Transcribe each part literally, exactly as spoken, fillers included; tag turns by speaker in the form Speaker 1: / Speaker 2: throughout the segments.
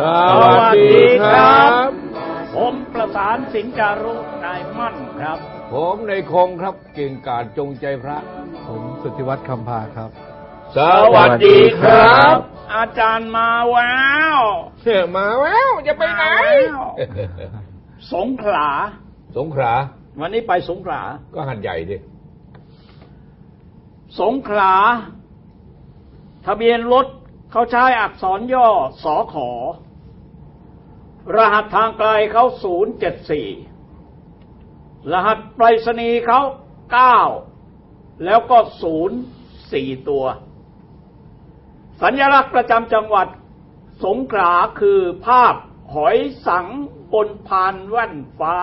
Speaker 1: สวัสดีครับผมประสานสิงห์จารุนายมั่นครับ
Speaker 2: ผมในคงครับเก่งกาจจงใจพระ
Speaker 3: ผมสุทธิวัฒน์คำพาครับ
Speaker 2: สวัสดีครับ
Speaker 1: อาจารย์มาแวว
Speaker 2: เชื่อมาแววจะไปไหน
Speaker 1: สงขลา
Speaker 2: สงขลา
Speaker 1: วันนี้ไปสงขลา
Speaker 2: ก็หัดใหญ่ดิ
Speaker 1: สงขลาทะเบียนรถเขาใช้อักษรย่อสขรหัสทางไกลเขาศูนย์เจ็ดสี่รหัสไปรษณีย์เขาเก้าแล้วก็ศูนย์สี่ตัวสัญลักษณ์ประจำจังหวัดสงขลาคือภาพหอยสังบนพานแว่นฟ้า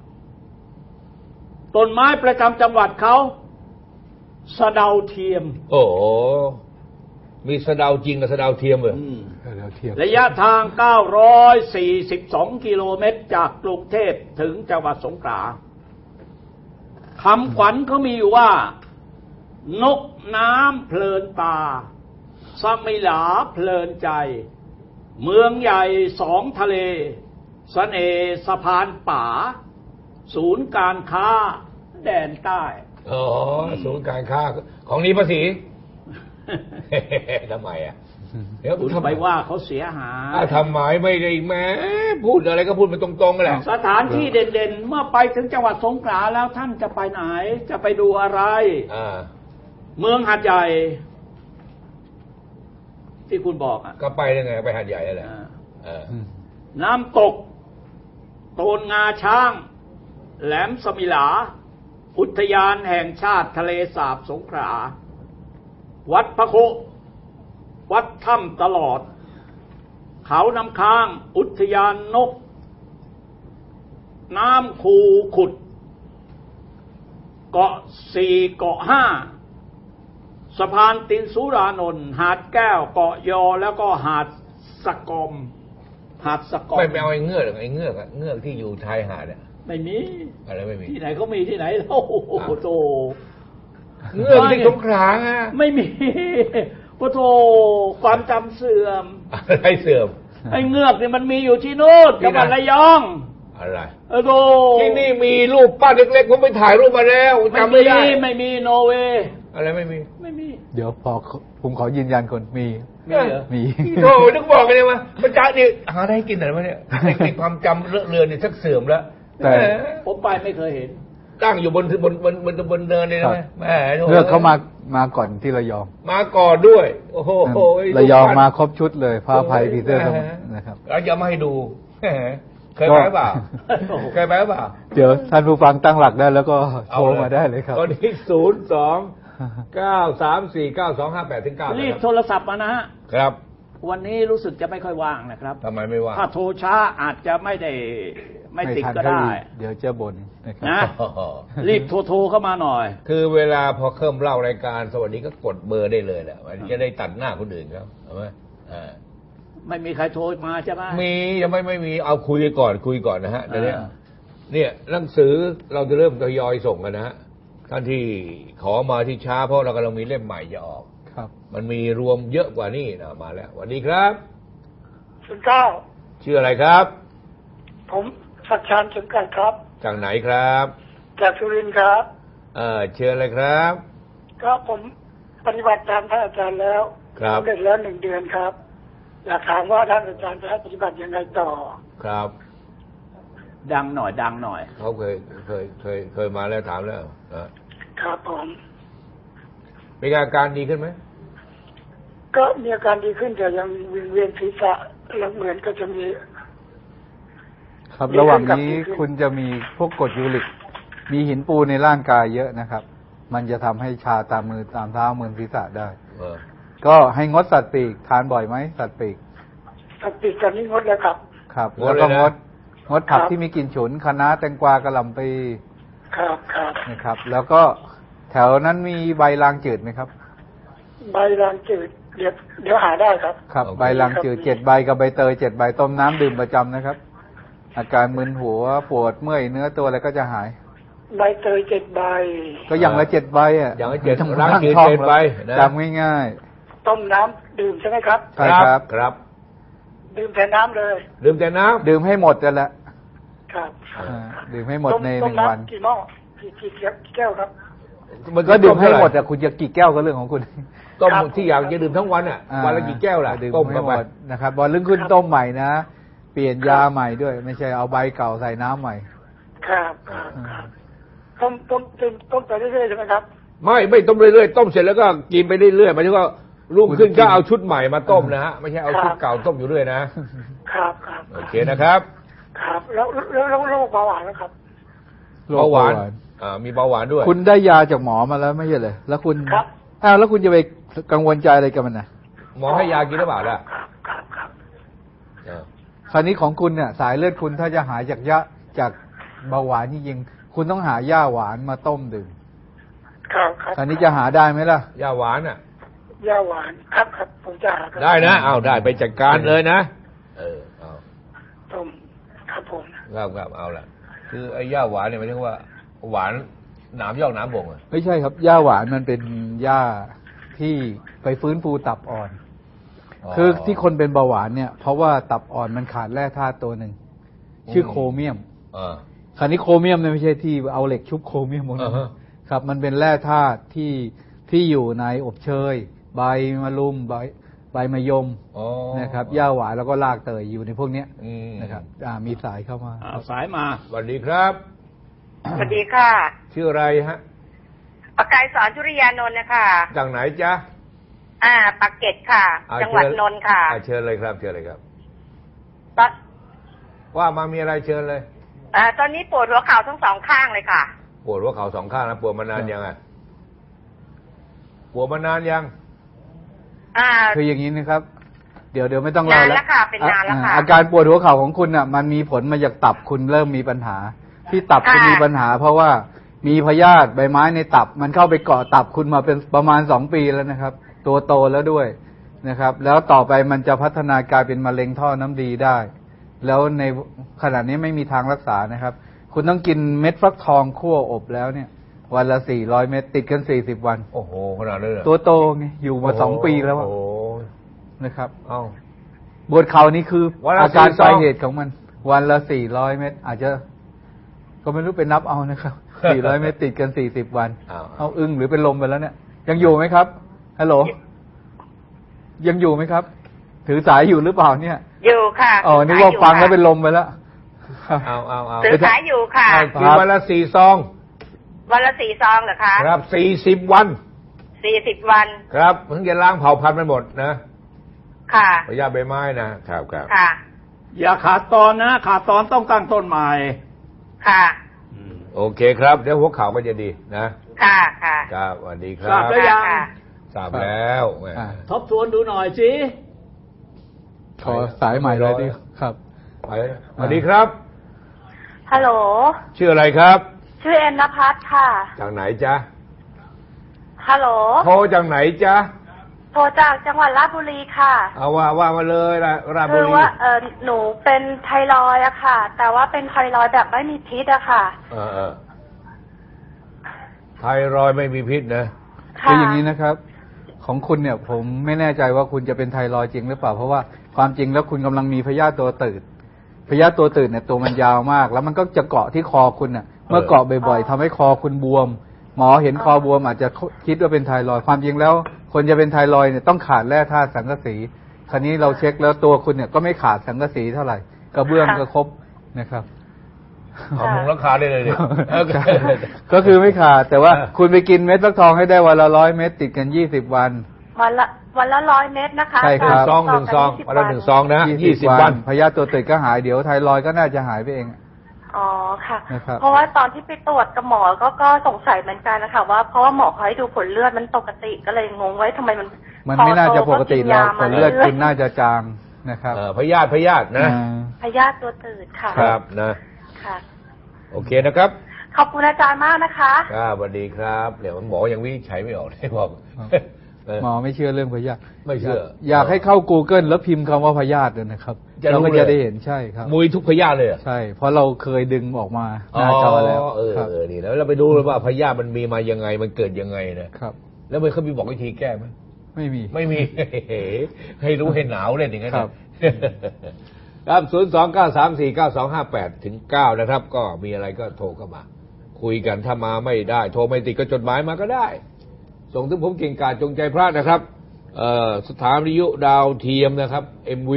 Speaker 1: ต้นไม้ประจำจังหวัดเขาสะเดาเทียม
Speaker 2: โอ้มีสะเดาจริงกับสะเดาเทียมเหรอ
Speaker 1: ระยะทางเก้าร้อยสี่สิบสองกิโลเมตรจากกรุงเทพถึงจังหวัดสงขลาคำขวัญเขามีอยู่ว่านกน้ำเพลินตาสมิหลาเพลินใจเมืองใหญ่สองทะเลเสน่ห์สะพานป่าศูนย์การค้าแดนใต้
Speaker 2: อ๋อศูนย์การค้าของนี้ภาษีทำไมอ่ะ
Speaker 1: เดี๋ยวคุณไปว่าเขาเสียหาย
Speaker 2: ทำไมไม่ได้แม้พูดอะไรก็พูดมาตรงๆกันแหละ
Speaker 1: สถานที่เด่นๆเมื่อไปถึงจังหวัดสงขลาแล้วท่านจะไปไหนจะไปดูอะไรเมืองหาดใหญ่ที่คุณบอกอ่ะ
Speaker 2: ก็ไปยังไงไปหาดใหญ่แหละ
Speaker 1: น้ำตกโตนงาช้างแหลมสมิหลาอุทยานแห่งชาติทะเลสาบสงขลาวัดพระโควัดถ้ำตลอดเขาน้ำค้างอุทยานนกน้ำคูขุดเกาะสี่เกาะห้าสะพานตินสุรานนท์หาดแก้วเกาะยอแล้วก็หาดสะกอมหาดสะกอม
Speaker 2: ไม่ไปเอาไอ้เงือกไอ้เงือกอะเงือกที่อยู่ชายหาดเนี่ย
Speaker 1: ไม่มี
Speaker 2: อะไรไม่มี
Speaker 1: ที่ไหนเขามีที่ไหนโอ้โหโต
Speaker 2: เงือกที่สงขลาอ่ะ
Speaker 1: ไม่มีโอ้โธ่ความจำเสื่อม
Speaker 2: อะไรเสื่อม
Speaker 1: ไอ้เงือกนี่มันมีอยู่ที่โน่นจังหวัดระยอง
Speaker 2: อะไร
Speaker 1: เออโธ่
Speaker 2: ที่นี่มีรูปปั้นเล็กๆผมไปถ่ายรูปมาแล้วจำไม่ได้
Speaker 1: ไม่มีโนเวย์
Speaker 2: อะไรไม่มี
Speaker 1: ไม่มี
Speaker 3: เดี๋ยวพอผมขอยืนยันคนมี
Speaker 1: มีเหรอ
Speaker 3: มี
Speaker 2: โธ่นึกบอกกันเลยว่าประจ๊ะนี่หาได้กินอะไรมาเนี่ยในความจำเลอะเลือนเนี่ยชักเสื่อมแล้ว
Speaker 3: แต่
Speaker 1: ผมไปไม่เคยเห็น
Speaker 2: ตั้งอยู่บนบนบนบนบนเนินเลยนะแม่
Speaker 3: เลือกเขามามาก่อนที่ระยอง
Speaker 2: มาก่อนด้วยโอ้โห
Speaker 3: ระยองมาครบชุดเลยพระภัยพีเตอร์นะครับ
Speaker 2: เราจะมาให้ดูเคยไปเปล่าเคยไปเปล่า
Speaker 3: เดี๋ยวท่านผู้ฟังตั้งหลักได้แล้วก็โทรมาได้เลยครับ
Speaker 2: ตอนนี้ศูนย์สองเก้าสามสี่เก้าสองห้าแปดถึงเก้า
Speaker 1: รีบโทรศัพท์มานะฮะ
Speaker 2: ครับ
Speaker 1: วันนี้รู้สึกจะไม่ค่อยว่างนะครับ
Speaker 2: ทำไมไม่ว่าง
Speaker 1: ถ้าโทรช้าอาจจะไม่ได้ไม่ติดก็ได้
Speaker 3: เดี๋ยวจะบ่นนะครับ
Speaker 1: นะรีบโทรโทรเข้ามาหน่อย
Speaker 2: คือเวลาพอเริ่มเล่ารายการสวัสดีก็กดเบอร์ได้เลยแหละมันจะได้ตัดหน้าคนอื่นเขาใช่ไหมอ่า
Speaker 1: ไม่มีใครโทรมาใช่ไหม
Speaker 2: มียังไม่ไม่มีเอาคุยก่อนคุยก่อนนะฮะเดี๋ยวนี้เนี่ยหนังสือเราจะเริ่มทยอยส่งกันนะฮะท่านที่ขอมาที่ช้าเพราะเรากำลังมีเล่มใหม่จะออก
Speaker 3: ครับ
Speaker 2: มันมีรวมเยอะกว่านี้นะมาแล้วสวัสดีครับ
Speaker 4: คุณเจ้า
Speaker 2: ชื่ออะไรครับ
Speaker 4: ผมสักชานสมกันครับ
Speaker 2: จากไหนครับ
Speaker 4: จากสุรินทร์ครับ
Speaker 2: เออเชิญเลยครับ
Speaker 4: ก็ผมปฏิบัติตามท่านอาจารย์แล้ว
Speaker 2: ครับ
Speaker 4: เด็กแล้วหนึ่งเดือนครับอยากถามว่าท่านอาจารย์จะให้ปฏิบัติยังไงต่อ
Speaker 2: ครับ
Speaker 1: ดังหน่อยดังหน่อย
Speaker 2: เขาเคยเคยเคยเคยมาแล้วถามแล้ว
Speaker 4: ครับผม
Speaker 2: มีอาการดีขึ้นไหม
Speaker 4: ก็มีอาการดีขึ้นแต่ยังวิงเวียนศีรษะแล้วเหมือนก็จะมี
Speaker 3: ครับระหว่างนี้คุณจะมีพวกกรดยูริกมีหินปูนในร่างกายเยอะนะครับมันจะทำให้ชาตามมือตามเท้ามือศีรษะได้ก็ให้งดสัตว์ปีกทานบ่อยไหมสัตว์ปีก
Speaker 4: สัตว์ปีกตอนนี้งดแล้วครับ
Speaker 3: ครับแล้วก็งดงดผักที่มีกลิ่นฉุนคะน้าแตงกวากระหล่ำปี
Speaker 4: ครับครับ
Speaker 3: นะครับแล้วก็แถวนั้นมีใบลางจืดไหมครับ
Speaker 4: ใบลางจืดเดี๋ยวเดี๋ยวหาได้ครับ
Speaker 3: ครับใบลางจืดเจ็ดใบกับใบเตยเจ็ดใบต้มน้ำดื่มประจำนะครับอาการมึนหัวปวดเมื่อยเนื้อตัวอะไรก็จะหาย
Speaker 4: ใบเตยเจ็ดใบ
Speaker 3: ก็อย่างละเจ็ดใบอ่ะ
Speaker 2: อย่างละเจ็ดล้างจืดเจ็ดใบ
Speaker 3: จำง่าย
Speaker 4: ๆต้มน้ำดื่มใช่ไหมครับ
Speaker 3: ใช่ครับ
Speaker 2: ครับ
Speaker 4: ใดื่มแต่น้ำเลย
Speaker 2: ดื่มแต่น้ำ
Speaker 3: ดื่มให้หมดกันละ
Speaker 4: ครับ
Speaker 3: ดื่มให้หมดในหนึ่งวัน
Speaker 4: กี่หม้อกี่กี่แก้วครับ
Speaker 3: มันก็ดื่มให้หมดแต่คุณจะกี่แก้วก็เรื่องของคุณ
Speaker 2: ต้มที่อยากจะดื่มทั้งวันอ่ะวันละกี่แก้วล่ะ
Speaker 3: ต้มให้หมดนะครับบอลลึงขึ้นต้มใหม่นะเปลี่ยนยาใหม่ด้วยไม่ใช่เอาใบเก่าใส่น้ำใหม่
Speaker 4: ครับครับต้มต้มต้มต้มไปเรื่อยๆใช่ไหมครับ
Speaker 2: ไม่ไม่ต้มเรื่อยๆต้มเสร็จแล้วก็กินไปเรื่อยๆหมายถึงว่ารุ่งขึ้นก็เอาชุดใหม่มาต้มนะฮะไม่ใช่เอาชุดเก่าต้มอยู่เรื่อยนะครับ
Speaker 4: ครับ
Speaker 2: โอเคนะครับ
Speaker 4: ครับแล้วแล้วโรคเบาหวานนะครับ
Speaker 2: เบาหวานอ่ามีเบาหวานด้วย
Speaker 3: คุณได้ยาจากหมอมาแล้วไม่ใช่เลยแล้วคุณ
Speaker 4: ครับ
Speaker 3: อ้าวแล้วคุณจะไปกังวลใจอะไรกับมันนะ
Speaker 2: หมอให้ยากินหรือเปล่าล่ะ
Speaker 4: ครับครับครับ
Speaker 3: คราวนี้ของคุณเนี่ยสายเลือดคุณถ้าจะหายจากยาจากเบาหวานจริงๆคุณต้องหาหญ้าหวานมาต้มดื่ม
Speaker 4: ครับครับ
Speaker 3: คราวนี้จะหาได้ไหมล่ะ
Speaker 2: หญ้าหวานอ่ะ
Speaker 4: หญ้าหวานครับครับผมจะหา
Speaker 2: ได้นะเอาได้ไปจัดการเลยนะเออเอา
Speaker 4: ต้มครับผม
Speaker 2: ครับครับเอาละคือไอ้หญ้าหวานเนี่ยหมายถึงว่าหวานหนามยอกหนามบ่งอ่ะ
Speaker 3: ไม่ใช่ครับหญ้าหวานมันเป็นหญ้าที่ไปฟื้นฟูตับอ่อนคือที่คนเป็นเบาหวานเนี่ยเพราะว่าตับอ่อนมันขาดแร่ธาตุตัวหนึ่งชื่อโครเมียมคราวนี้โครเมียมเนี่ยไม่ใช่ที่เอาเหล็กชุบโครเมียมหมดครับมันเป็นแร่ธาตุที่ที่อยู่ในอบเชยใบมะรุมใบใบมะยมนะครับหญ้าหวานแล้วก็รากเตยอยู่ในพวกนี้นะครับมีสายเข้ามา
Speaker 2: สายมาสวัสดีครับ
Speaker 5: สวัสดีค่ะ
Speaker 2: ชื่ออะไรฮะ
Speaker 5: ปากกายสอนชุริยานนท์นะคะ
Speaker 2: จากไหนจ๊ะ
Speaker 5: อ่าปากเกร็ดค่ะจังหวัดนนท์ค่ะ
Speaker 2: เชิญเลยครับเชิญเลยครับ
Speaker 5: ตอน
Speaker 2: ว่ามามีอะไรเชิญเลย
Speaker 5: อ่าตอนนี้ปวดหัวเข่าทั้งสองข้างเลยค่ะ
Speaker 2: ปวดหัวเข่าสองข้างนะปวดมานานยังไงปวดมานานยัง
Speaker 5: อ่า
Speaker 3: คืออย่างนี้นะครับเดี๋ยวเดี๋ยวไม่ต้องเล่าแล้ว
Speaker 5: ค่ะเป็นนานแล้วค่ะ
Speaker 3: อาการปวดหัวเข่าของคุณอ่ะมันมีผลมาจากตับคุณเริ่มมีปัญหาที่ตับคุณมีปัญหาเพราะว่ามีพยาธิใบไม้ในตับมันเข้าไปเกาะตับคุณมาเป็นประมาณสองปีแล้วนะครับตัวโตแล้วด้วยนะครับแล้วต่อไปมันจะพัฒนากลายเป็นมะเร็งท่อน้ำดีได้แล้วในขณะนี้ไม่มีทางรักษานะครับคุณต้องกินเม็ดฟักทองคั่วอบแล้วเนี่ยวันละสี่ร้อยเม็ดติดกันสี่สิบวัน
Speaker 2: โอ้โหขนาดนั้นเลย
Speaker 3: ตัวโตไงอยู่มาสองปีแล้วนะครับเอ้าปวดเข่านี่คืออาการปลายเหตุของมันวันละสี่ร้อยเม็ดอาจจะก็ไม่รู้เป็นนับเอานะครับสี่ร้อยเม็ดติดกันสี่สิบวันเอาอึ้งหรือเป็นลมไปแล้วเนี่ยยังอยู่ไหมครับฮัลโหลยังอยู่ไหมครับถือสายอยู่หรือเปล่าเนี่ย
Speaker 5: อยู่ค่ะ
Speaker 3: อ๋อนึกว่าฟังแล้วเป็นลมไปแล้ว
Speaker 2: เอาเอาเอา
Speaker 5: ถือสายอยู่ค่ะ
Speaker 2: กินวันละสี่ซอง
Speaker 5: วันละสี่ซองเหรอคะ
Speaker 2: ครับสี่สิบวัน
Speaker 5: สี่สิบวัน
Speaker 2: ครับเพิ่งจะล้างเผาพันธุ์ไปหมดนะ
Speaker 5: ค่ะ
Speaker 2: พยาใบไม้นะครับครับ
Speaker 5: ค่ะ
Speaker 1: อย่าขาดตอนนะขาดตอนต้องตั้งต้นใหม่
Speaker 5: ค่ะ
Speaker 2: โอเคครับเดี๋ยวหัวเข่าก็จะดีนะ
Speaker 5: ค่ะค่ะ
Speaker 2: ครับสวัสดีครับ
Speaker 1: ทราบแล้วยัง
Speaker 2: ทราบแล้ว
Speaker 1: ทบทวนดูหน่อยสิ
Speaker 3: ขอสายใหม่เลยดิครับ
Speaker 2: ไปสวัสดีครับ
Speaker 6: ฮัลโหล
Speaker 2: ชื่ออะไรครับ
Speaker 6: ชื่อเอ็นนภัสค่ะ
Speaker 2: จากไหนจ๊ะ
Speaker 6: ฮัลโหล
Speaker 2: โทรจากไหนจ๊ะ
Speaker 6: โทรจากจังหวัดราชบุรีค่ะ
Speaker 2: เอาว่าว่ามาเลยราชบุรี
Speaker 6: คือว่าเออหนูเป็นไทรอยด์อะค่ะแต่ว่าเป็นไทรอยด์แบบไม่มีพิษอะค่ะ
Speaker 2: เออเออไทรอยด์ไม่มีพิษนะ
Speaker 3: คืออย่างนี้นะครับของคุณเนี่ยผมไม่แน่ใจว่าคุณจะเป็นไทรอยด์จริงหรือเปล่าเพราะว่าความจริงแล้วคุณกำลังมีพยาธิตัวตืดพยาธิตัวตืดเนี่ยตัวมันยาวมากแล้วมันก็จะเกาะที่คอคุณน่ะเมื่อเกาะบ่อยๆทำให้คอคุณบวมหมอเห็นคอบวมอาจจะคิดว่าเป็นไทรอยด์ความจริงแล้วคนจะเป็นไทรอยด์เนี่ยต้องขาดแร่ธาตุสังกะสีคราวนี้เราเช็คแล้วตัวคุณเนี่ยก็ไม่ขาดสังกะสีเท่าไหร่กระเบื้องก็ครบนะครับ
Speaker 2: เอามุงราคาได้เลยดิ
Speaker 3: ก็คือไม่ขาดแต่ว่าคุณไปกินเม็ดฟักทองให้ได้วันละร้อยเม็ดติดกันยี่สิบวัน
Speaker 6: วันละวันละร้อยเม็ดนะคะ
Speaker 3: ใช่ครับ
Speaker 2: ซองหนึ่งซองวันละหนึ่งซองนะยี่สิบวัน
Speaker 3: พยาธิตัวตืดก็หายเดี๋ยวไทรอยด์ก็น่าจะหายไปเอง
Speaker 6: อ๋อค่ะเพราะว่าตอนที่ไปตรวจกับหมอก็ก็สงสัยเหมือนกันนะคะว่าเพราะว่าหมอเขาให้ดูผลเลือดมันปกติก็เลยงงไว้ทำไมมัน
Speaker 3: มันไม่น่าจะปกติแล้วผลเลือดคุณน่าจะจางนะครับ
Speaker 2: พยาธิพยาธินะ
Speaker 6: พยาธิตัวตืดค่ะ
Speaker 2: ครับนะ
Speaker 6: ค่ะ
Speaker 2: โอเคนะครับ
Speaker 6: ขอบคุณอาจารย์มากนะคะ
Speaker 2: ครับสวัสดีครับเดี๋ยวหมอยังวินิจฉัยไม่ออกได้บอก
Speaker 3: หมอไม่เชื่อเรื่องพยาธิ
Speaker 2: ไม่เชื่อ
Speaker 3: อยากให้เข้า Google แล้วพิมพ์คำว่าพยาธิเลยนะครับเราก็จะได้เห็นใช่ครับ
Speaker 2: มุยทุกพยาธิเลย
Speaker 3: ใช่เพราะเราเคยดึงออกมาหน้าจอแล้ว
Speaker 2: เออนี่แล้วเราไปดูว่าพยาธิมันมีมายังไงมันเกิดยังไงนะครับแล้วมันเขามีบอกวิธีแก้ไหม
Speaker 3: ไม่มี
Speaker 2: ไม่มี ให้รู้ให้หนาวเลยอย่างนั้นครับครับศูนย์ สอง เก้า สาม สี่ เก้า สอง ห้า แปด ถึง เก้านะครับก็มีอะไรก็โทรเข้ามาคุยกันถ้ามาไม่ได้โทรไม่ติดก็จดหมายมาก็ได้ส่งถึงผมเก่งกาจจงใจพระนะครับสถานีวิทยุดาวเทียมนะครับ เอ็ม วี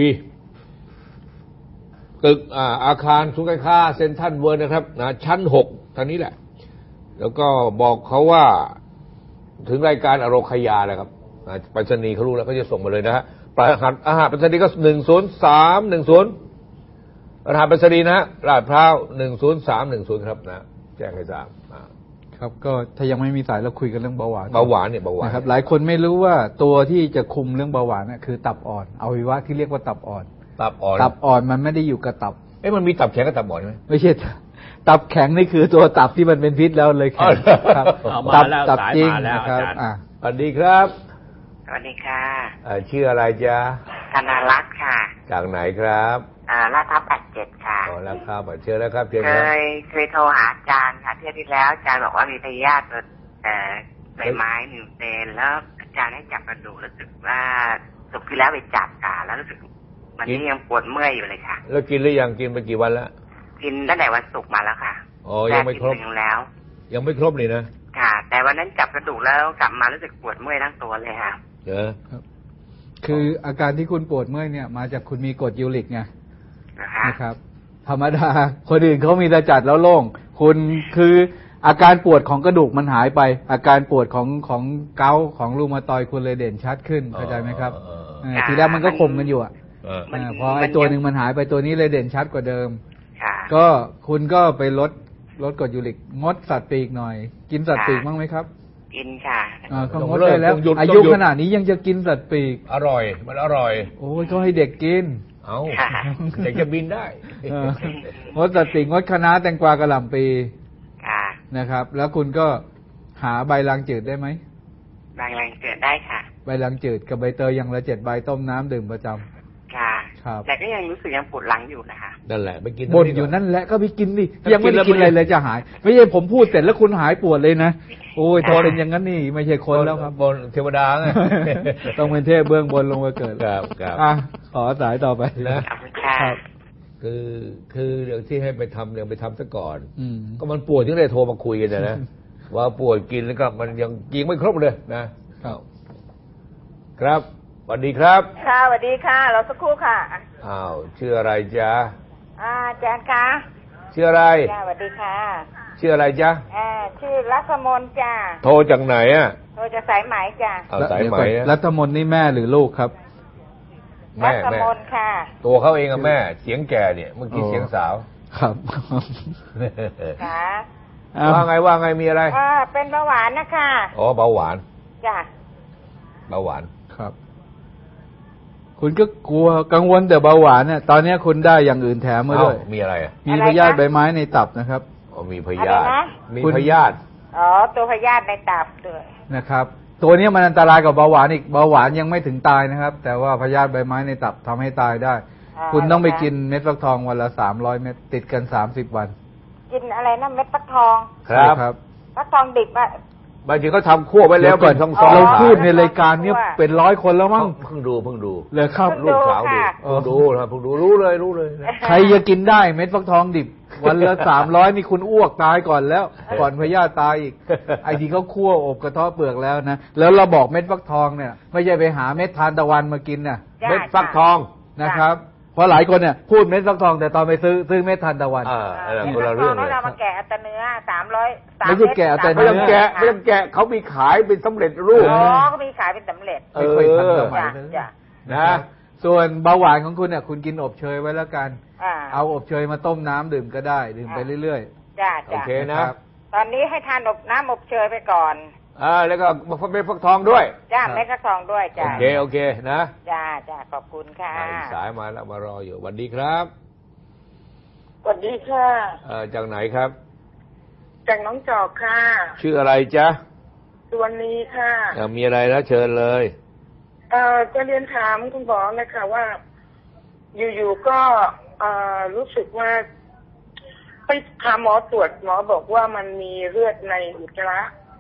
Speaker 2: ตึก อ่า อาคารศูนย์การค้าเซ็นทรัลเวิลด์นะครับนะชั้นหกทางนี้แหละแล้วก็บอกเขาว่าถึงรายการอโรคยาแหละครับไปรษณีย์เขารู้แล้วเขาจะส่งมาเลยนะฮะรหัสอาหารไปรษณีย์ก็หนึ่งศูนย์สามหนึ่งศูนย์รหัสไปรษณีย์นะฮะลาดพร้าวหนึ่งศูนย์สามหนึ่งศูนย์ครับนะแจ้งให้ทราบ
Speaker 3: ครับก็ถ้ายังไม่มีสายเราคุยกันเรื่องเบาหวาน
Speaker 2: เบาหวานเนี่ยเบาหวาน
Speaker 3: นะครับหลายคนไม่รู้ว่าตัวที่จะคุมเรื่องเบาหวานน่ะคือตับอ่อนอวัยวะที่เรียกว่าตับอ่อน
Speaker 2: ตับอ่อน
Speaker 3: ตับอ่อนมันไม่ได้อยู่กับตับ
Speaker 2: เอ๊ะมันมีตับแข็งกับตับอ่อนไหม
Speaker 3: ไม่ใช่ตับแข็งนี่คือตัวตับที่มันเป็นพิษแล้วเลยแข็งครับ
Speaker 1: ตับตับจริงนะครับ
Speaker 2: อ่าสวัสดีครับ
Speaker 5: สวัสดีค่ะ
Speaker 2: ชื่ออะไรจ๊ะ
Speaker 5: ธนารัตน์ค่ะ
Speaker 2: จากไหนครับ
Speaker 5: อ่าลาดพร้าวแปดเจ็ดค่ะ
Speaker 2: อ๋อลาดพร้าวเชิญแล้วครับเชิญ
Speaker 5: เคยเคยโทรหาอาจารย์ค่ะเที่ยวที่แล้วอาจารย์บอกว่ามีพยาธิแต่ใบไม้หนึ่งเซนแล้วอาจารย์ให้จับกระดูกรู้สึกว่าสุกที่แล้วไปจับค่ะแล้วรู้สึกมันนี่ยังปวดเมื่อยอยู่เลยค่ะ
Speaker 2: แล้วกินหรือยังกินไปกี่วันแล้ว
Speaker 5: กินตั้งแต่วันศุกร์มาแล้วค่ะ
Speaker 2: อ๋อยังไม่ครบ
Speaker 5: แล้ว
Speaker 2: ยังไม่ครบเลยนะ
Speaker 5: ค่ะแต่วันนั้นจับกระดูกแล้วกลับมารู้สึกปวดเมื่อยทั้งตัวเลยค่ะ
Speaker 2: เออ
Speaker 3: คืออาการที่คุณปวดเมื่อยเนี่ยมาจากคุณมีกรดยูริกไงนะครับธรรมดาคนอื่นเขามีแต่จัดแล้วโล่งคุณคืออาการปวดของกระดูกมันหายไปอาการปวดของของเกาต์ของรูมาตอยด์คุณเลยเด่นชัดขึ้นเข้าใจไหมครับทีแรกมันก็ข่มกันอยู่อ่ะพอไอ้ตัวหนึ่งมันหายไปตัวนี้เลยเด่นชัดกว่าเดิมก็คุณก็ไปลดลดกรดยูริกงดสัตว์ปีกหน่อยกินสัตว์ปีกบ้างไหมครับ
Speaker 5: กินค่ะ
Speaker 3: อ่าก็งดได้แล้วอายุขนาดนี้ยังจะกินสัตว์ปีก
Speaker 2: อร่อยมันอร่อย
Speaker 3: โอ้ยก็ให้เด็กกิน
Speaker 2: เอาเด็กจะบินได้
Speaker 3: งดสัตว์ปีกงดคะน้าแตงกวากระหล่ำปีนะครับแล้วคุณก็หาใบลางจืดได้ไหม
Speaker 5: ใบลางจืดได้ค่ะ
Speaker 3: ใบลางจืดกับใบเตยอย่างละเจ็ดใบต้มน้ำดื่มประจำ
Speaker 5: ค่ะครับแต่ก็ยังรู้สึกยังปวดหลังอยู่นะคะ
Speaker 2: นั่นแหละไปกิน
Speaker 3: บ่นอยู่นั่นแหละก็ไปกินดิยังไม่ได้กินอะไรเลยจะหายไม่ใช่ผมพูดเสร็จแล้วคุณหายปวดเลยนะโอ้ยทนเป็นอย่างนั้นนี่ไม่ใช่คนแล้วครับ
Speaker 2: บนเทวดาไง
Speaker 3: ต้องเป็นเทพเบื้องบนลงมาเกิด
Speaker 2: ครับครับ
Speaker 3: อ่ะขอสายต่อไป
Speaker 2: นะครับคือคือเรื่องที่ให้ไปทำเนี่ยไปทำซะก่อนก็มันปวดถึงได้โทรมาคุยกันนะว่าปวดกินแล้วก็มันยังกินไม่ครบเลยนะครับครับสวัสดีครับ
Speaker 7: ค่ะสวัสดีค่ะเราสักครู่ค่ะ
Speaker 2: อ้าวชื่ออะไรจ๊ะ
Speaker 7: อาจารย์คะ
Speaker 2: ชื่ออะไร
Speaker 7: จ้าสวัสดีค่ะ
Speaker 2: ชื่ออะไรจ๊ะ
Speaker 7: อ่าชื่อรัตมนจ้า
Speaker 2: โทรจากไหนอ่ะ
Speaker 7: โทรจากสายไหมจ้า
Speaker 2: เอาสายไหม
Speaker 3: รัตมนนี่แม่หรือลูกครับ
Speaker 7: แม่รัตมนค่ะ
Speaker 2: ตัวเขาเองอะแม่เสียงแก่เนี่ยเมื่อกี้เสียงสาว
Speaker 3: ครับ
Speaker 7: ค่ะ
Speaker 2: ว่าไงว่าไงมีอะไร
Speaker 7: อ่าเป็นเบาหวานนะคะ
Speaker 2: อ๋อเบาหวาน
Speaker 7: จ้า
Speaker 2: เบาหวาน
Speaker 3: ครับคุณก็กลัวกังวลแต่เบาหวานเนี่ยตอนนี้คุณได้อย่างอื่นแถมมาด้วย
Speaker 2: มีอะไรอ่ะ
Speaker 3: มีพยาธิใบไม้ในตับนะครับ
Speaker 2: อ๋อมีพยาธิมีพยาธิ
Speaker 7: อ๋อตัวพยาธิในตับด้วย
Speaker 3: นะครับตัวนี้มันอันตรายกว่าเบาหวานอีกเบาหวานยังไม่ถึงตายนะครับแต่ว่าพยาธิใบไม้ในตับทำให้ตายได้คุณต้องไปกินเม็ดฟักทองวันละสามร้อยเม็ดติดกันสามสิบวัน
Speaker 7: กินอะไรนะเม็ดฟักทอง
Speaker 2: ครับ
Speaker 7: ฟักทองดิบอ่ะ
Speaker 2: บางทีเขาทำคั่วไว้แล้วเป็นซองๆ
Speaker 3: เราพูดในรายการนี้เป็นร้อยคนแล้วมั้ง
Speaker 2: เพิ่งดูเพิ่งดู
Speaker 3: เลยครับ
Speaker 2: ลูกสาวดูเพิ่งดูนะเพิ่งดูรู้เลยรู้เลย
Speaker 3: ใครจะกินได้เม็ดฟักทองดิบวันละสามร้อยนี่คุณอ้วกตายก่อนแล้วก่อนพยาธิตายอีกไอ้ที่เขาคั่วอบกระเทาะเปลือกแล้วนะแล้วเราบอกเม็ดฟักทองเนี่ยไม่ใช่ไปหาเม็ดทานตะวันมากินน่ะ
Speaker 2: เม็ดฟักทอง
Speaker 3: นะครับเพราะหลายคนเนี่ยพูดเม็ดฟักทองแต่ตอนไปซื้อซื้อเม็ดทานตะวัน
Speaker 2: อ่าอะไรคนละเรื่องเลย
Speaker 7: เรามาแกะแต่เนื้อสามร้อย
Speaker 3: ไม่ใช่แกะแต่เนื้อ
Speaker 2: ไม่ต้องแกะไม่ต้องแกะเขามีขายเป็นสำเร็จรูป
Speaker 7: อ๋อเขามีขายเป็นสำเร็จ
Speaker 3: ไม่ค่อยทันสมัยนะส่วนเบาหวานของคุณเนี่ยคุณกินอบเชยไว้แล้วกันเอาอบเชยมาต้มน้ำดื่มก็ได้ดื่มไปเรื่อย
Speaker 7: ๆจ้า
Speaker 2: โอเคนะ
Speaker 7: ตอนนี้ให้ทานอบน้ำอบเชยไปก่อน
Speaker 2: อ่าแล้วก็เม็ดฟักทองด้วย
Speaker 7: จ้าเม็ดฟักทองด้วยจ้า
Speaker 2: โอเคโอเคนะ
Speaker 7: จ้าจ้าขอบคุณค่ะ
Speaker 2: สายมาแล้วมารออยู่สวัสดีครับ
Speaker 4: สวัสดีค่ะ
Speaker 2: เอ่อจากไหนครับ
Speaker 4: จากน้องจอกค่ะ
Speaker 2: ชื่ออะไรจ๊ะ
Speaker 4: สุวรรณีค่ะ
Speaker 2: มีอะไรแล้วเชิญเลย
Speaker 4: เอ่อจะเรียนถามคุณหมอเลยค่ะว่าอยู่ๆก็เอ่อรู้สึกว่าไปหาหมอตรวจหมอบอกว่ามันมีเลือดในอุจจาระ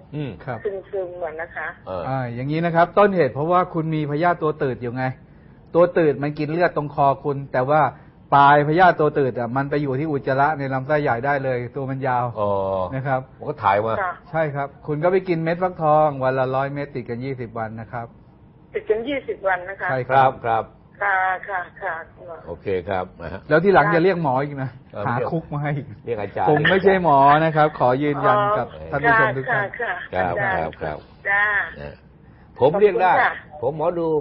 Speaker 2: อืมครับ
Speaker 4: ซึมๆเหมือนนะคะ
Speaker 3: อ่าอย่างนี้นะครับต้นเหตุเพราะว่าคุณมีพยาธิตัวตืดอยู่ไงตัวตืดมันกินเลือดตรงคอคุณแต่ว่าปลายพยาธิตัวตืดอ่ะมันไปอยู่ที่อุจจาระในลำไส้ใหญ่ได้เลยตัวมันยาวนะครับ
Speaker 2: ผมก็ถ่ายมา
Speaker 3: ใช่ครับคุณก็ไปกินเม็ดฟักทองวันละร้อยเม็ดติดกันยี่สิบวันนะครับ
Speaker 4: ติดกันยี่สิบวันนะคะ
Speaker 3: ใช่
Speaker 2: ครับครับ
Speaker 4: ค่ะค่ะค่ะ
Speaker 2: โอเคครับ
Speaker 3: แล้วที่หลังจะเรียกหมออีกนะหาคุกมาให้
Speaker 2: เรียกอาจารย์
Speaker 3: ผมไม่ใช่หมอนะครับขอยืนยันกับท่านผู้ชมทุกท่าน
Speaker 2: ครับครับครับ
Speaker 4: จ้า
Speaker 2: ผมเรียกได้ผมหมอดู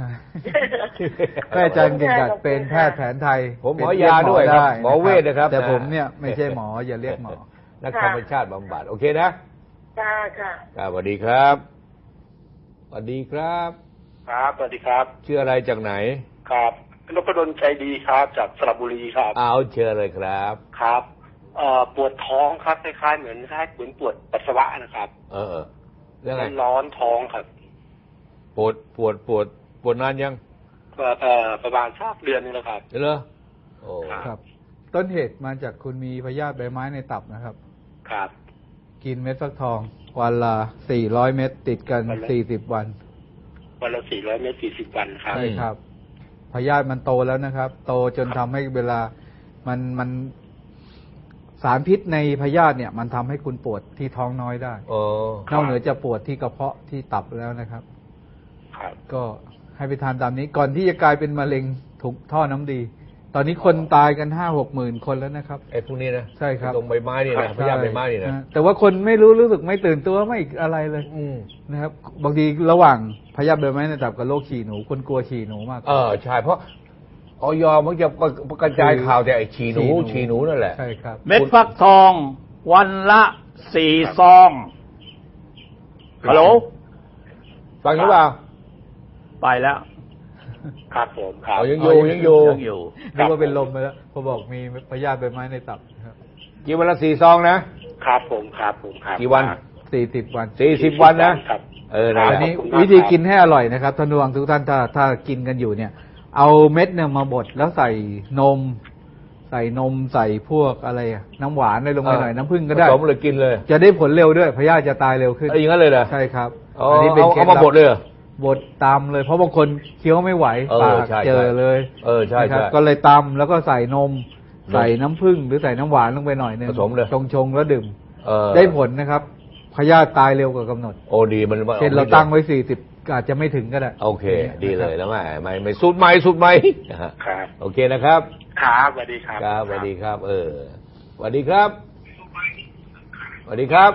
Speaker 3: อาจารย์เก่งกาจเป็นแพทย์แผนไทย
Speaker 2: ผมหมอยาด้วยครับหมอเวชนะครับ
Speaker 3: แต่ผมเนี่ยไม่ใช่หมออย่าเรียกหมอ
Speaker 2: นักธรรมชาติบำบัดโอเคนะ
Speaker 4: ค่ะค่ะ
Speaker 2: สวัสดีครับสวัสดีครับ
Speaker 8: ครับสวัสดีครับ
Speaker 2: ชื่ออะไรจากไหน
Speaker 8: ครับนพดลใจดีครับจากสระบุรีครับ
Speaker 2: เอาเชิญเลยครับ
Speaker 8: ครับเอ่อปวดท้องครับคล้ายๆเหมือนคล้ายเหมือนปวดปัสสาวะนะครับ
Speaker 2: เออเรื่องอะไร
Speaker 8: ร้อนท้องครับ
Speaker 2: ปวดปวดปวดปวดนานยัง
Speaker 8: เอ่อประมาณสักเดือนนึงแล้วครับ
Speaker 2: เหรอโอ้
Speaker 3: ครับต้นเหตุมาจากคุณมีพยาธิใบไม้ในตับนะครับ
Speaker 8: ครับ
Speaker 3: กินเม็ดฟักทองวันละสี่ร้อยเม็ดติดกันสี่สิบวัน
Speaker 8: วันละสี่ร้อยเม็ดสี่สิบวันครับ
Speaker 3: ใช่ครับพยาธิมันโตแล้วนะครับโตจนทำให้เวลามันมันสารพิษในพยาธิเนี่ยมันทำให้คุณปวดที่ท้องน้อยได้นอกเหนือจะปวดที่กระเพาะที่ตับแล้วนะครับก็ให้ไปทานตามนี้ก่อนที่จะกลายเป็นมะเร็งถุงท่อน้ำดีตอนนี้คนตายกันห้าหกหมื่นคนแล้วนะครับ
Speaker 2: ไอ้พวกนี้นะ
Speaker 3: ใช่ครับ
Speaker 2: ตรงใบไม้นี่นะพยาธิใบไม้นี่นะ
Speaker 3: แต่ว่าคนไม่รู้รู้สึกไม่ตื่นตัวไม่อะไรเลยนะครับบางทีระหว่างพยาธิใบไม้ในตับกับโรคฉี่หนูคนกลัวฉี่หนูมาก
Speaker 2: เออใช่เพราะออยมันจะกระจายข่าวแต่ไอ้ฉี่หนูฉี่หนูนั่นแหละ
Speaker 3: ใช่ครับ
Speaker 1: เม็ดฟักทองวันละสี่ซองฮัลโหล
Speaker 2: ฟังหรือเปล่า
Speaker 1: ไปแล้ว
Speaker 8: ครับผมครับ
Speaker 2: ยังอยู่ยังอยู่
Speaker 1: ยังอยู่
Speaker 3: นึกว่าเป็นลมไปแล้วพอบอกมีพยาธิใบไม้ในตับครับ
Speaker 2: กี่วันละสี่ซองนะครับ
Speaker 8: ผมครับผมครับ
Speaker 2: กี่วัน
Speaker 3: สี่สิบวัน
Speaker 2: สี่สิบวันนะครับเอออั
Speaker 3: นนี้วิธีกินให้อร่อยนะครับท่านผู้ฟังทุกท่านถ้าถ้ากินกันอยู่เนี่ยเอาเม็ดเนี่ยมาบดแล้วใส่นมใส่นมใส่พวกอะไรน้ำหวานอะไรลงไปหน่อยน้ำผึ้งก็ได้
Speaker 2: ผสมเลยกินเลย
Speaker 3: จะได้ผลเร็วด้วยพยาธิจะตายเร็วขึ้น
Speaker 2: อย่างนั้นเลยเหรอ
Speaker 3: ใช่ครับ
Speaker 2: อันนี้เป็นเอามาบดเลย
Speaker 3: บดตำเลยเพราะบางคนเคี้ยวไม่ไหวปากเจอเลย
Speaker 2: เออใช่ใช่
Speaker 3: ก็เลยตำแล้วก็ใส่นมใส่น้ำผึ้งหรือใส่น้ำหวานลงไปหน่อยนึง
Speaker 2: ผสมเลย
Speaker 3: ชงชงแล้วดื่มได้ผลนะครับพยาธิตายเร็วกว่ากำหนด
Speaker 2: โอ้ดีมัน
Speaker 3: เช่นเราตั้งไว้สี่สิบอาจจะไม่ถึงก็ได้
Speaker 2: โอเคดีเลยแล้วไม่ไม่ไม่สุดไหมสุดไหม
Speaker 8: ครับ
Speaker 2: โอเคนะครับ
Speaker 8: ครับสวัสดีครับ
Speaker 2: ครับสวัสดีครับเออสวัสดีครับสวัสดีครับ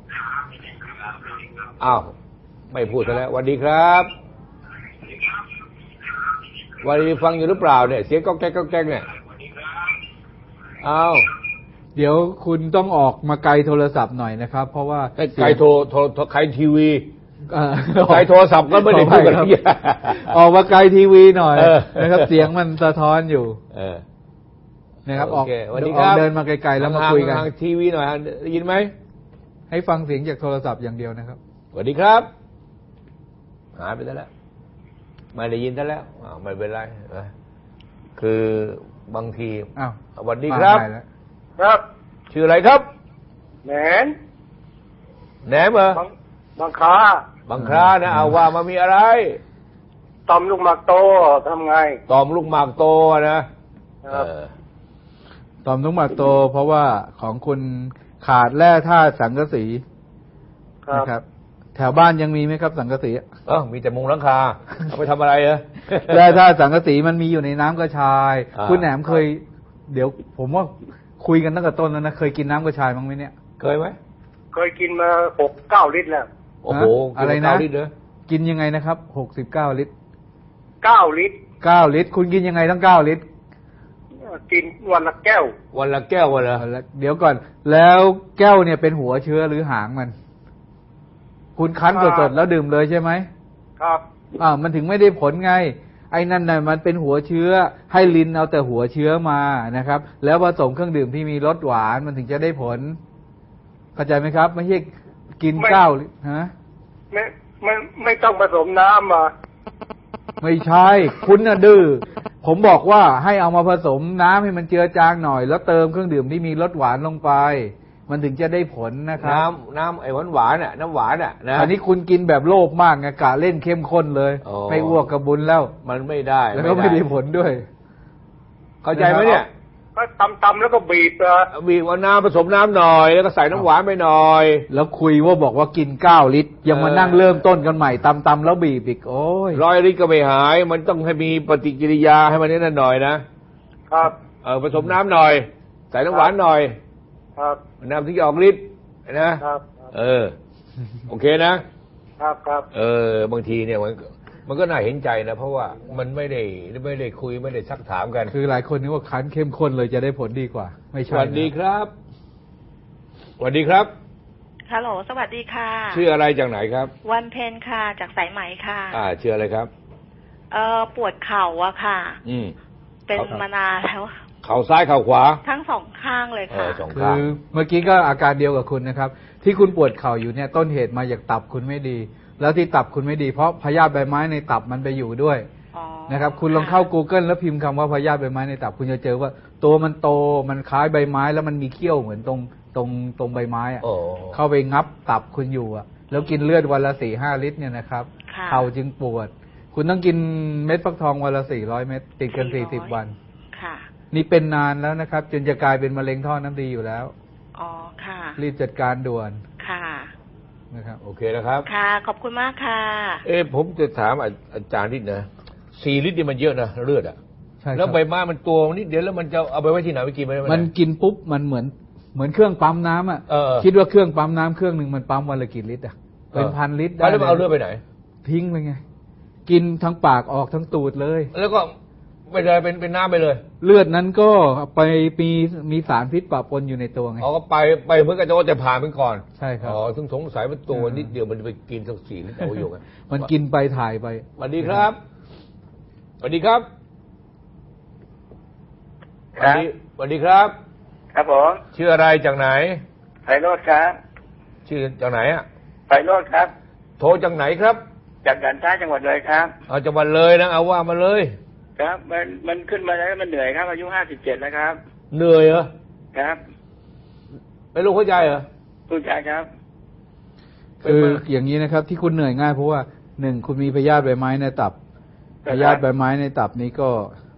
Speaker 2: อ้าวไม่พูดซะแล้วสวัสดีครับวันนี้ฟังอยู่หรือเปล่าเนี่ยเสียงก๊อกแก๊กก๊อกแก๊กเนี่ยอ้าว
Speaker 3: เดี๋ยวคุณต้องออกมาไกลโทรศัพท์หน่อยนะครับเพราะว่า
Speaker 2: ไกลโทรโทรไกลทีวีไกลโทรศัพท์ก็ไม่ได้พูดกัน
Speaker 3: ออกมาไกลทีวีหน่อยนะครับเสียงมันสะท้อนอยู่นะครับออกเดินมาไกลๆแล้วมาคุยกัน
Speaker 2: ทางทีวีหน่อยได้ยินไหม
Speaker 3: ให้ฟังเสียงจากโทรศัพท์อย่างเดียวนะครับ
Speaker 2: สวัสดีครับหายไปแล้วไม่ได้ยินแล้วไม่เป็นไรคือบางที
Speaker 3: อ้าว
Speaker 2: สวัสดีครับ
Speaker 8: ครับ
Speaker 2: ชื่ออะไรครับ
Speaker 8: แหนม
Speaker 2: แหนมเหร
Speaker 8: อบางครา
Speaker 2: บางครานะเอาว่ามามีอะไร
Speaker 8: ตอมลูกหมากโตทำไง
Speaker 2: ตอมลูกหมากโตนะ
Speaker 3: ตอมลูกหมากโตเพราะว่าของคุณขาดแร่ธาตุสังกะสีนะครับแถวบ้านยังมีไหมครับสังกะสี
Speaker 2: เออมีแต่มุงหลังคาเอาไปทำอะไรเหรอ
Speaker 3: แร่ธาตุสังกะสีมันมีอยู่ในน้ำกระชายคุณแหนมเคยเดี๋ยวผมว่าคุยกันตั้งแต่ต้นแล้วนะเคยกินน้ำกระชายมั้งไหมเนี่ย
Speaker 2: เคยไหม
Speaker 8: เคยกินมาหกเก้าลิตรแล้ว
Speaker 2: โอ้โห
Speaker 3: อะไรนะกินยังไงนะครับหกสิบเก้าลิตร
Speaker 8: เก้าลิตร
Speaker 3: เก้าลิตรคุณกินยังไงตั้งเก้าลิตร
Speaker 8: กินวันละแก้ว
Speaker 2: วันละแก้ววันละ
Speaker 3: เดี๋ยวก่อนแล้วแก้วเนี่ยเป็นหัวเชื้อหรือหางมันคุณคั้นสดๆแล้วดื่มเลยใช่ไหม
Speaker 8: ครับ
Speaker 3: อ่ามันถึงไม่ได้ผลไงไอ้นั่นน่ะมันเป็นหัวเชื้อให้ลิ้นเอาแต่หัวเชื้อมานะครับแล้วผสมเครื่องดื่มที่มีรสหวานมันถึงจะได้ผลเข้าใจไหมครับไม่ใช่กินเก้าฮะ
Speaker 8: ไม่ไม่ไม่ต้องผสมน้ำมา
Speaker 3: ไม่ใช่คุณน่ะดื้อผมบอกว่าให้เอามาผสมน้ำให้มันเจือจางหน่อยแล้วเติมเครื่องดื่มที่มีรสหวานลงไปมันถึงจะได้ผลนะครับ
Speaker 2: น้ำน้ำไอ้หวานหวานอ่ะน้ำหวานอ่ะนะ
Speaker 3: อันนี้คุณกินแบบโลภมากไงกะเล่นเข้มข้นเลยไม่อ้วกกระบุญแล้ว
Speaker 2: มันไม่ได้
Speaker 3: แล้วก็ไม่ได้ผลด้วย
Speaker 2: เข้าใจไหมเนี่ย
Speaker 8: ก็ตำๆแล้วก็บีบ
Speaker 2: บีบเอาน้ำผสมน้ำหน่อยแล้วก็ใส่น้ำหวานไปหน่อย
Speaker 3: แล้วคุยว่าบอกว่ากินเก้าลิตรยังมานั่งเริ่มต้นกันใหม่ตำๆแล้วบีบอีกโอ้ย
Speaker 2: ร้อยลิตรก็ไม่หายมันต้องให้มีปฏิกิริยาให้มันนั่นหน่อยนะครับเออผสมน้ำหน่อยใส่น้ำหวานหน่อย
Speaker 8: ครับ
Speaker 2: น้ำที่ออกฤทธิ์นะครับเออโอเคนะครับ
Speaker 8: ครับ
Speaker 2: เออบางทีเนี่ยมันมันก็น่าเห็นใจนะเพราะว่ามันไม่ได้ไม่ได้คุยไม่ได้ซักถามกัน
Speaker 3: คือหลายคนนึกว่าคั้นเข้มข้นเลยจะได้ผลดีกว่าไม่ใช่
Speaker 2: สวัสดีครับสวัสดีครับ
Speaker 9: ฮัลโหลสวัสดีค่ะ
Speaker 2: ชื่ออะไรจากไหนครับ
Speaker 9: วันเพ็ญค่ะจากสายไหมค่ะ
Speaker 2: อ่าชื่ออะไรครับ
Speaker 9: เอ่อปวดเข่าอะค่ะ
Speaker 2: อืม
Speaker 9: เป็นมานานแล้ว
Speaker 2: เข่าซ้ายเข่าขวา
Speaker 9: ทั้งสองข้างเลยค่ะ
Speaker 3: คือเมื่อกี้ก็อาการเดียวกับคุณนะครับที่คุณปวดเข่าอยู่เนี่ยต้นเหตุมาจากตับคุณไม่ดีแล้วที่ตับคุณไม่ดีเพราะพยาธิใบไม้ในตับมันไปอยู่ด้วยนะครับคุณลองเข้า Google แล้วพิมพ์คำว่าพยาธิใบไม้ในตับคุณจะเจอว่าตัวมันโตมันคล้ายใบไม้แล้วมันมีเขี้ยวเหมือนตรงตรงตรงใบไม้อ่ะเข้าไปงับตับคุณอยู่อ่ะแล้วกินเลือดวันละสี่ห้าลิตรเนี่ยนะครับเข่าจึงปวดคุณต้องกินเม็ดฟักทองวันละสี่ร้อยเม็ดติดกันสี่สิบวันนี่เป็นนานแล้วนะครับจนจะกลายเป็นมะเร็งท่อน้ำดีอยู่แล้ว
Speaker 9: อ๋อค่ะ
Speaker 3: รีบจัดการด่วน
Speaker 9: ค่ะ
Speaker 3: นะครับ
Speaker 2: โอเคนะครับ
Speaker 9: ค่ะขอบคุณมากค่ะ
Speaker 2: เอ๊ะผมจะถามอาจารย์นิดนะสี่ลิตรนี่มันเยอะนะเลือดอ่ะ
Speaker 3: ใช่
Speaker 2: แล้วใบไม้มันตัวนิดเดียวแล้วมันจะเอาไปไว้ที่ไหนไปกินไม่ได้
Speaker 3: มันกินปุ๊บมันเหมือนเหมือนเครื่องปั๊มน้ำอ่ะคิดว่าเครื่องปั๊มน้ำเครื่องหนึ่งมันปั๊มวันละกี่ลิตรอ่ะเป็นพันลิตรได้
Speaker 2: แล้วเอาเลือดไปไหน
Speaker 3: ทิ้งเลยไงกินทั้งปากออกทั้งตูดเลย
Speaker 2: แล้วก็ไปเลยเป็นเป็นน้ำไปเลย
Speaker 3: เลือดนั้นก็ไปมีมีสารพิษปะปนอยู่ในตัวไง
Speaker 2: อ๋อก็ไปไปเมื่อกี้จะผ่านไปก่อน
Speaker 3: ใช่ครับ
Speaker 2: อ๋อถึงสงสัยมันตัวนิดเดียวมันไปกินสักสี่ลิตรเอาอยู่ไง
Speaker 3: มันกินไปถ่ายไป
Speaker 2: สวัสดีครับสวัสดีครับสวัสดีสวัสดีครับ
Speaker 8: ครับผม
Speaker 2: ชื่ออะไรจากไหน
Speaker 8: ไพโรจน์ครับ
Speaker 2: ชื่อจากไหนอ่ะ
Speaker 8: ไพโรจน์ครับ
Speaker 2: โทรจากไหนครับ
Speaker 8: จากด่านซ้ายจังหวัดเลยครับ
Speaker 2: เอาจังหวัดเลยนะเอาว่ามาเลย
Speaker 8: ครับมันมันขึ้นมาแล้วมันเหนื่อยครับอายุห้าสิบเจ็ดแล้วครับ
Speaker 2: เหนื่อยเหรอ
Speaker 8: ครับ
Speaker 2: เป็นโรคหัวใจเหรอ
Speaker 8: หัวใจครับ
Speaker 3: คืออย่างนี้นะครับที่คุณเหนื่อยง่ายเพราะว่าหนึ่งคุณมีพยาธิใบไม้ในตับพยาธิใบไม้ในตับนี้ก็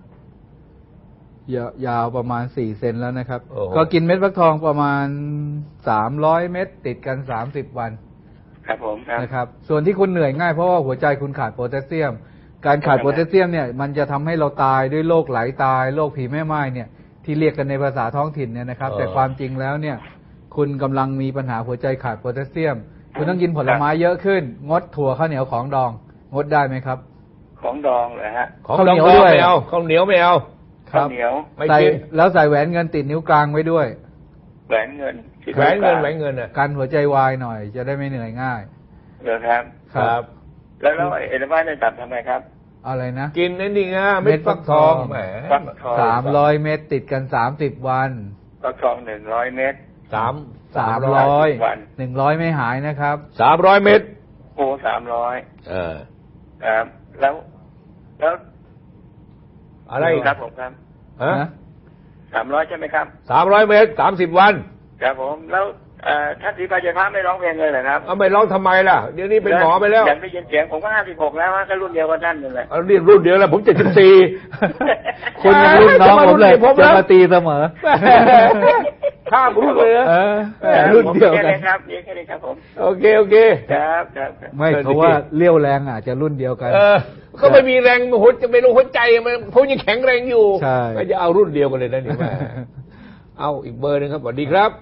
Speaker 3: ยาวประมาณสี่เซนแล้วนะครับก็กินเม็ดฟักทองประมาณสามร้อยเม็ดติดกันสามสิบวัน
Speaker 8: ครับผมครับ
Speaker 3: นะครับส่วนที่คุณเหนื่อยง่ายเพราะว่าหัวใจคุณขาดโพแทสเซียมการขาดโพแทสเซียมเนี่ยมันจะทำให้เราตายด้วยโรคไหลตายโรคผีแม่ไม้เนี่ยที่เรียกกันในภาษาท้องถิ่นเนี่ยนะครับแต่ความจริงแล้วเนี่ยคุณกำลังมีปัญหาหัวใจขาดโพแทสเซียมคุณต้องกินผลไม้เยอะขึ้นงดถั่วข้าวเหนียวของดองงดได้ไหมครับ
Speaker 8: ของดองเหรอฮะ
Speaker 2: ของเหนียวด้วยไม่เอาข้าวเหนียวไม่เอา
Speaker 8: ข้าวเหนียว
Speaker 3: ไม่กินแล้วใส่แหวนเงินติดนิ้วกลางไว้ด้วย
Speaker 8: แหวนเงิน
Speaker 2: แหวนเงินแหวนเงินอ่ะ
Speaker 3: กันหัวใจวายหน่อยจะได้ไม่เหนื่อยง่าย
Speaker 8: เหรอครับ
Speaker 2: ครับ
Speaker 8: แล้วแล้วเอเดมาในตับทำไมครับ
Speaker 3: อะไรนะ
Speaker 2: กินนั่นนี่ไงเม็ดฟักทองแหม
Speaker 3: สามร้อยเม็ดติดกันสามสิบวัน
Speaker 8: ฟักทองหนึ่งร้อยเม็ด
Speaker 2: สาม
Speaker 3: สามร้อยหนึ่งร้อยไม่หายนะครับ
Speaker 2: สามร้อยเม็ด
Speaker 8: โอ้สามร้อย
Speaker 2: เออ
Speaker 8: ครับแล้วแล้ว
Speaker 2: อะไร
Speaker 8: ครับผมครับ
Speaker 2: ฮะ
Speaker 8: สามร้อยใช่ไหมครับ
Speaker 2: สามร้อยเม็ดสามสิบวัน
Speaker 8: ครับผมแล้วท่านศรีพายพระไม่ร้องเพลงเลยเหรอครับ
Speaker 2: เอาไม่ร้องทำไมล่ะเดี๋ยวนี้เป็นหมอไปแล้ว
Speaker 8: อยากได้ยินเสียงผมก็ห้าสิบหกแล้วก็รุ่นเดียวกับท่านนั่นแหละ
Speaker 2: เรียนรุ่นเดียวแล้วผมเจ็ดสิบสี่
Speaker 3: คุณยังรุ่นน้องผมเลยจะมาตีเสมอ
Speaker 2: ข้ามรุ่นเลย
Speaker 3: รุ่นเดียวกัน
Speaker 8: ครับนี่แค่นี้ครับผม
Speaker 2: โอเคโอเค
Speaker 8: ครับครับ
Speaker 3: ไม่เพราะว่าเลี้ยวแรงอาจจะรุ่นเดียวกัน
Speaker 2: ก็ไม่มีแรงหัวจะไม่รู้หัวใจมันผมยังแข็งแรงอยู่ก็จะเอารุ่นเดียวกันเลยนะนี่แม่เอาอีกเบอร์นึงครับสวัสดีครับ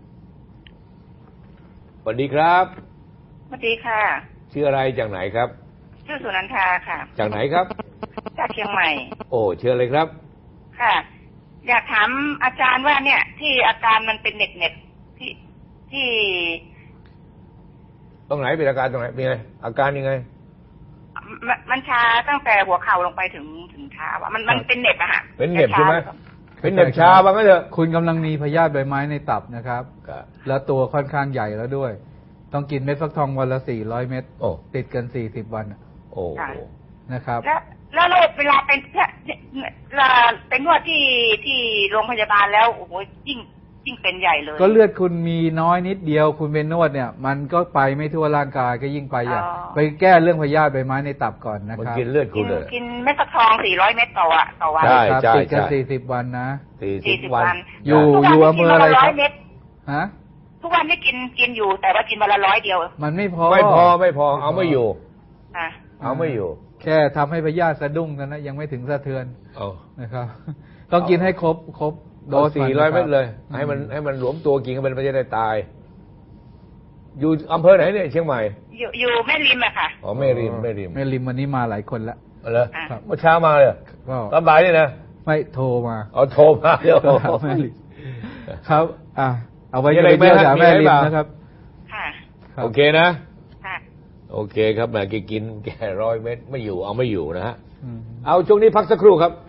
Speaker 2: สวัสดีครับ
Speaker 10: สวัสดีค่ะ
Speaker 2: ชื่ออะไรจากไหนครับ
Speaker 10: ชื่อสุนันทาค่ะ
Speaker 2: จากไหนครับ
Speaker 10: จากเชียงใหม่
Speaker 2: โอ้เชิญเลยครับ
Speaker 10: ค่ะอยากถามอาจารย์ว่าเนี่ยที่อาการมันเป็นเน็ตเน็ตที่ที่
Speaker 2: ตรงไหนเป็นอาการตรงไหนมีไงอาการยังไง
Speaker 10: มันชาตั้งแต่หัวเข่าลงไปถึงถึงเท้าอ่ะมันมันเป็นเน็บอะฮะ
Speaker 2: เป็นเน็บใช่ไหมเป็นเน็บชาบ้างก็เถอะ
Speaker 3: คุณกำลังมีพยาธิใบไม้ในตับนะครับแล้วตัวค่อนข้างใหญ่แล้วด้วยต้องกินเม็ดฟักทองวันละสี่ร้อยเม็ดติดกันสี่สิบวัน
Speaker 2: โอ้
Speaker 3: นะครับ
Speaker 10: แล้วแล้วเวลาเป็นเวลาเป็นนวดที่ที่โรงพยาบาลแล้วโอ้โหยิ่งยิ่งเป็นใหญ่เลย
Speaker 3: ก็เลือดคุณมีน้อยนิดเดียวคุณไปนวดเนี่ยมันก็ไปไม่ทั่วร่างกายก็ยิ่งไปใหญ่ไปแก้เรื่องพยาธิใบไม้ในตับก่อนนะครับ
Speaker 2: มันกินเลือดคุณเลย
Speaker 10: กินเม็ดฟักทองสี่ร้อยเม็ดต่อวันต่อวัน
Speaker 2: ใช่ใช่
Speaker 3: ติดกันสี่สิบวันนะ
Speaker 2: สี่สิบวัน
Speaker 3: อยู่อยู่อำเภออะไรครับฮะ
Speaker 10: ทุกวันนี่กินกินอยู่แต่ว่ากินวันละร้อยเดียว
Speaker 3: มันไม่พอ
Speaker 2: ไม่พอไม่พอเอาไม่อยู่
Speaker 10: อ่ะ
Speaker 2: เอาไม่อยู่
Speaker 3: แค่ทำให้พยาธิสะดุ้งกันนะยังไม่ถึงสะเทือน
Speaker 2: เอา
Speaker 3: นะครับต้องกินให้ครบครบ
Speaker 2: โดสสี่ร้อยเม็ดเลยให้มันให้มันหลวมตัวกินกันมันไม่จะได้ตายอยู่อำเภอไหนเนี่ยเชียงใหม่
Speaker 10: อยู่อยู่แม่ริมอะค่ะ
Speaker 2: อ๋อแม่ริมแม่ริม
Speaker 3: แม่ริมวันนี้มาหลายคนละ
Speaker 2: เหรอเมื่อเช้ามาเลยก็ตอนบ่ายนี่นะ
Speaker 3: ไม่โทรมา
Speaker 2: อ๋อโทรมาเดี๋ยว
Speaker 3: แม่ริมครับอ่ะเอาไว้ยังไงไม่หาแม่ริมนะครับ
Speaker 10: ค่ะ
Speaker 2: โอเคนะค่ะโอเคครับแม่แกกินแกร้อยเม็ดไม่อยู่เอาไม่อยู่นะฮะเอาช่วงนี้พักสักครู่ครับ